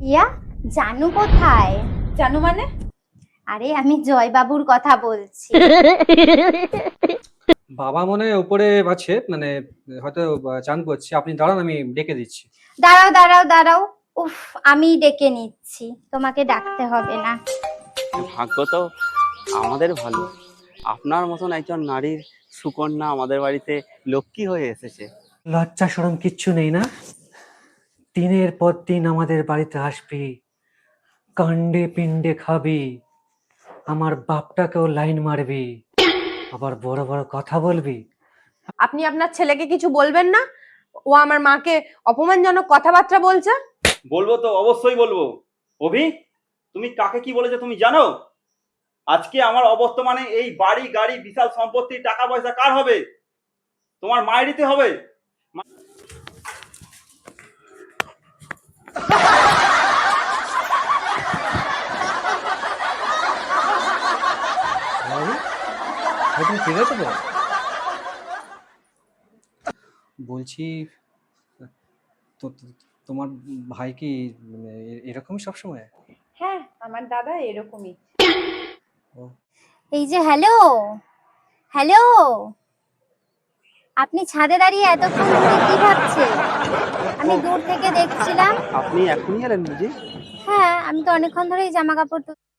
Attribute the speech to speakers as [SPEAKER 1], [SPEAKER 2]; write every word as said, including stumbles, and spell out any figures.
[SPEAKER 1] ইয়া, জানু কোথায়?
[SPEAKER 2] জানু মানে?
[SPEAKER 1] আরে আমি জয় বাবুর কথা বলছি।
[SPEAKER 3] বাবা মনে হয় উপরে আছে, মানে হয়তো চান করছে। আপনি দাঁড়ান, আমি ডেকে দিচ্ছি।
[SPEAKER 1] দাঁড়াও দাঁড়াও দাঁড়াও, উফ, আমি ডেকে নিচ্ছি, তোমাকে ডাকতে হবে না।
[SPEAKER 4] ভাগ্য তো আমাদের ভালো, আপনার মতন একজন নারীর সুকন্যা আমাদের বাড়িতে লক্ষ্মী হয়ে এসেছে।
[SPEAKER 3] লজ্জা শরম কিচ্ছু নেই না? দিনের পর দিন আমাদের বাড়িতে আসবি, কাণ্ডে পিণ্ডে খাবি, আমার বাপটাকেও লাইন মারবি, আবার বড় বড় কথা বলবি।
[SPEAKER 2] আপনি আপনার ছেলেকে কিছু বলবেন না? ও আমার মাকে অপমানজনক কথাবার্তা বলছে।
[SPEAKER 5] বলবো তো, অবশ্যই বলবো। অভি, তুমি কাকে কি বলেছো তুমি জানো? আজকে আমার অবর্তমানে এই বাড়ি গাড়ি বিশাল সম্পত্তি টাকা পয়সা কার হবে? তোমার মায়েরই হবে।
[SPEAKER 3] তুমি ঠিক আছে তো? বলছি, তো তো- তোমার ভাই কি মানে এ- এরকমই সবসময়?
[SPEAKER 2] হ্যাঁ, আমার দাদা এরকমই।
[SPEAKER 1] এই যে, হ্যালো হ্যালো, আপনি ছাদে দাঁড়িয়ে এতক্ষণ ধরে কি ভাবছেন? আমি দূর থেকে দেখছিলাম।
[SPEAKER 4] আপনি এখনই এলেন বুঝি?
[SPEAKER 1] হ্যাঁ, আমি তো অনেকক্ষণ ধরেই জামা কাপড়